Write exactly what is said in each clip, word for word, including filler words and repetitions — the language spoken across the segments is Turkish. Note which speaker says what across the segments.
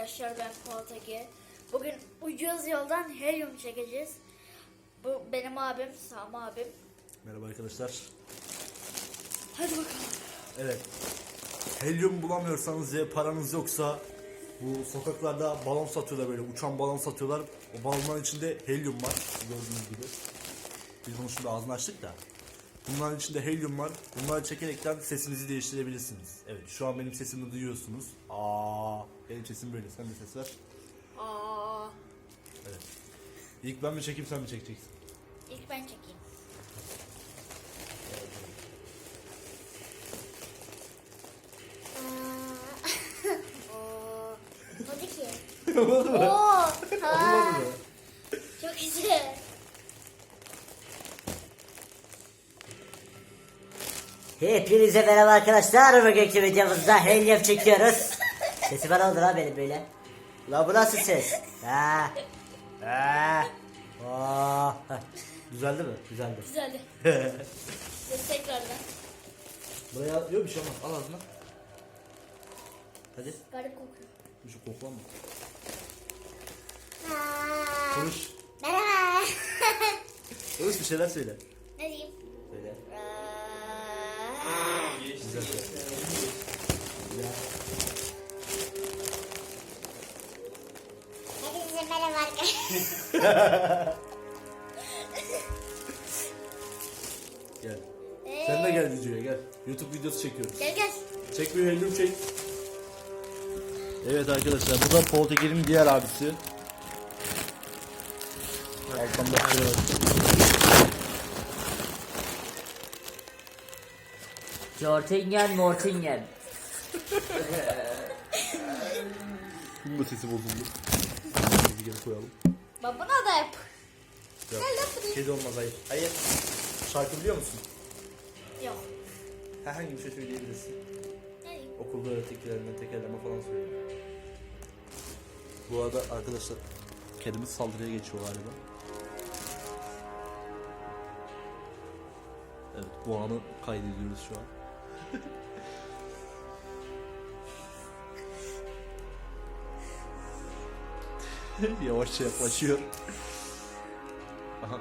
Speaker 1: arkadaşlar, ben Fuat Ege. Bugün ucuz yoldan helyum çekeceğiz. Bu benim abim, Sami abim.
Speaker 2: Merhaba arkadaşlar.
Speaker 1: Hadi bakalım.
Speaker 2: Evet. Helyum bulamıyorsanız ve paranız yoksa bu sokaklarda balon satıyorlar, böyle uçan balon satıyorlar. O balonların içinde helyum var. Gördüğünüz gibi. Biz bunu şimdi ağzını açtık da. Bunların içinde helyum var. Bunları çekerekten sesinizi değiştirebilirsiniz. Evet, şu an benim sesimi duyuyorsunuz. Aa, benim sesim böyle. Sen de ses ver.
Speaker 1: Aa,
Speaker 2: Evet. İlk ben mi çekeyim, sen mi çekeceksin?
Speaker 1: ilk ben çekeyim. Oo, hadi ki.
Speaker 2: Olmadı mı?
Speaker 1: Oo,
Speaker 2: Olmadı
Speaker 1: ha,
Speaker 2: mı?
Speaker 1: çok güzel.
Speaker 3: Hepinize merhaba arkadaşlar. Bugünkü videomuzda helyum çekiyoruz. Sesi bana oldu la benim böyle. La bu nasıl ses? Ha. Ha. Oh. Düzeldi mi? Düzeldi.
Speaker 1: Güzeldi. Biz tekrardan.
Speaker 2: Buraya yok bir şey olmaz. Al ağzına. Hadi.
Speaker 1: Garip kokuyor.
Speaker 2: Bir şey koklanma.
Speaker 1: Ha,
Speaker 2: Konuş.
Speaker 1: merhaba.
Speaker 2: Konuş, bir şeyler söyle.
Speaker 1: Ne diyeyim?
Speaker 2: Söyle.
Speaker 1: Aa,
Speaker 2: Güzel söyle.
Speaker 1: Hepinize merhaba arkadaşlar.
Speaker 2: Gel. Sen de gel videoya gel. YouTube videosu çekiyoruz.
Speaker 1: Gel gel.
Speaker 2: Çek bir helyum çek. Evet arkadaşlar, bu da Poltekel'in diğer abisi. Alttan da şöyle bak.
Speaker 3: Jortingen Mortingen.
Speaker 2: Bunun da sesi bozuldu. Bizi geri koyalım.
Speaker 1: Babana da yap.
Speaker 2: Yok.
Speaker 1: Gel yapayım.
Speaker 2: Kedi olmaz, hayır. Hayır. Şarkı biliyor musun?
Speaker 1: Yok.
Speaker 2: Herhangi bir şey söyleyebilirsin.
Speaker 1: Ne diyeyim?
Speaker 2: Okulda öğrettiklerine tekerleme falan söylüyor. Bu arada arkadaşlar, kedimiz saldırıya geçiyor galiba. Evet, bu anı kaydediyoruz şu an. Yavaşça yaklaşıyor. Aha.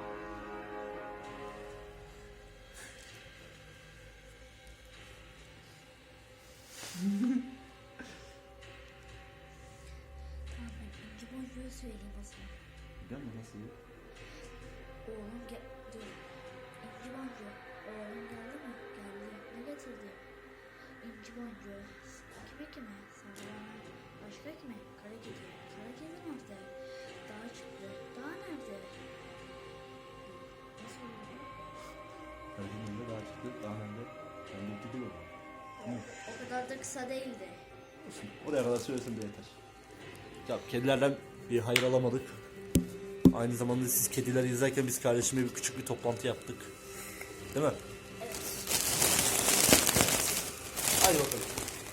Speaker 1: Tamam, ben ince boncuğu söyleyeyim o zaman.
Speaker 2: Biliyor musun nasıl ya?
Speaker 1: Oğlum gel. Dur. İnci boncuğu. Oğlum geldi mi? Geldi. Ne getirdi? İnci boncuğu. Kime kime? Sarılan. Başka kime? Kara kedi. Kara kedi nerede? Dağa çıktı. Dağ nerede? Nasıl oluyor?
Speaker 2: Kalbimde daha çıktı, daha önde. Ben de gidiyor.
Speaker 1: O, o kadar da kısa değildi.
Speaker 2: Oraya kadar söylesin de yeter. Ya kedilerden bir hayır alamadık. Aynı zamanda siz kedileri izlerken biz kardeşimle bir küçük bir toplantı yaptık. Değil mi?
Speaker 1: Evet.
Speaker 2: Hadi bakalım.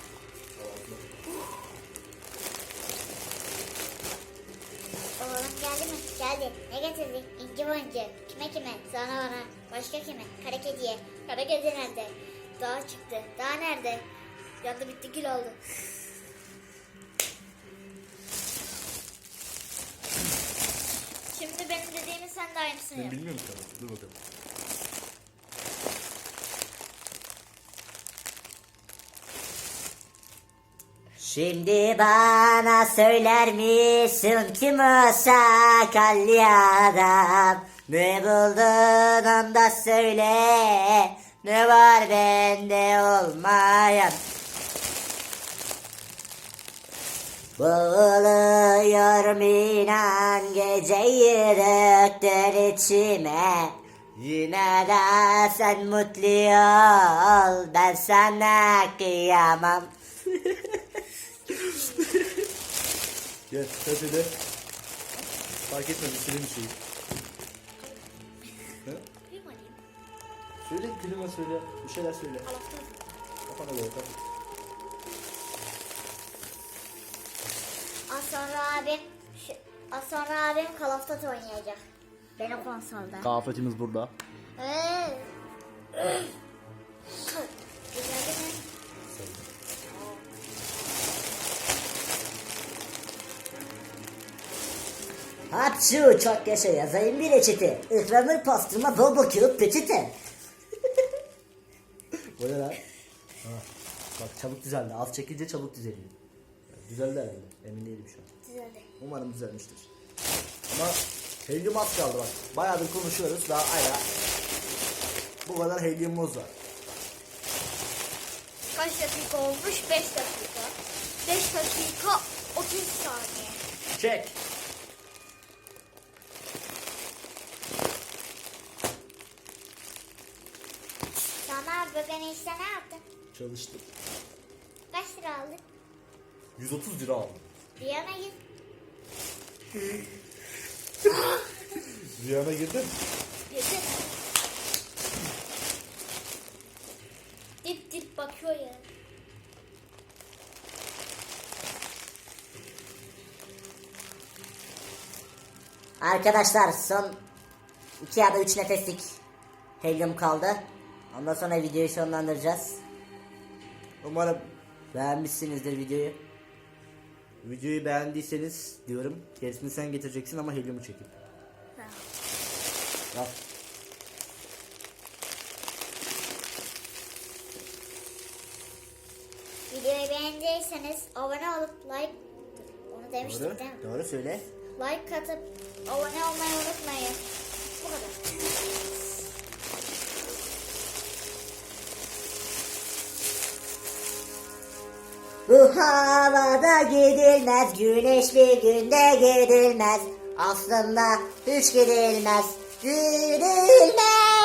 Speaker 4: Oğlum geldi mi? Geldi. Ne getirdi? İnci boncuğu. Kime kime? Sana bana. Başka kime? Kara kediye. Kara kedi nerede?
Speaker 1: Dağa çıktı. Dağ nerede? Yandı bitti, kil oldu. Şimdi benim dediğimi sen de aynısını
Speaker 2: Ben
Speaker 1: yap.
Speaker 2: bilmiyorum ki ama. Dur bakalım.
Speaker 3: Şimdi bana söyler misin kim o sakallı adam? Ne buldun onu da söyle. Ne var bende olmayan? Boğuluyorum inan, geceyi döktün içime. Yine de sen mutlu ol, ben sana kıyamam.
Speaker 2: Gel sen söyle. Fark etmez, istediğin bir şey. Ha?
Speaker 1: Kıyım alayım.
Speaker 2: Söyle, klima söyle. Bir şeyler söyle.
Speaker 1: Alafta.
Speaker 2: Kafana göre tabii.
Speaker 4: Az sonra abim şu, az sonra abim Call of Duty oynayacak. Benim konsolda.
Speaker 2: Kafetimiz burada.
Speaker 4: Ee,
Speaker 1: Güzel değil mi?
Speaker 3: Hapşu çok yaşa yazayım bir reçete. Ihlamur pastırma bol bol kağıt peçete. O ne lan? Ha, bak çabuk düzeldi. Az çekince çabuk düzeliyor. Düzeldi herhalde. Emin değilim şu an.
Speaker 4: Düzeldi.
Speaker 3: Umarım düzelmiştir. Ama helyum az kaldı bak. Bayağıdır konuşuyoruz. Daha hala bu kadar helyumumuz var.
Speaker 4: Kaç dakika olmuş? beş dakika. beş dakika otuz saniye.
Speaker 3: Çek.
Speaker 4: Sana bugün işte ne yaptın?
Speaker 2: Çalıştık.
Speaker 4: Kaç lira aldın?
Speaker 2: yüz otuz lira aldım.
Speaker 4: Riyana git.
Speaker 2: Rüyana girdin.
Speaker 4: Yeter. Dip dip bakıyor ya.
Speaker 3: Arkadaşlar son iki ya da üç nefeslik helyum kaldı. Ondan sonra videoyu sonlandıracağız. Umarım beğenmişsinizdir videoyu. Videoyu beğendiyseniz diyorum. Gerisini sen getireceksin ama helyumu çekip. Al.
Speaker 4: Videoyu beğendiyseniz abone olup like onu demiştik
Speaker 3: Doğru.
Speaker 4: değil mi?
Speaker 3: Doğru söyle.
Speaker 4: Like atıp abone olmayı unutmayın. Bu kadar.
Speaker 3: Bu havada gidilmez, güneş bir günde gidilmez. Aslında hiç gidilmez, gidilmez.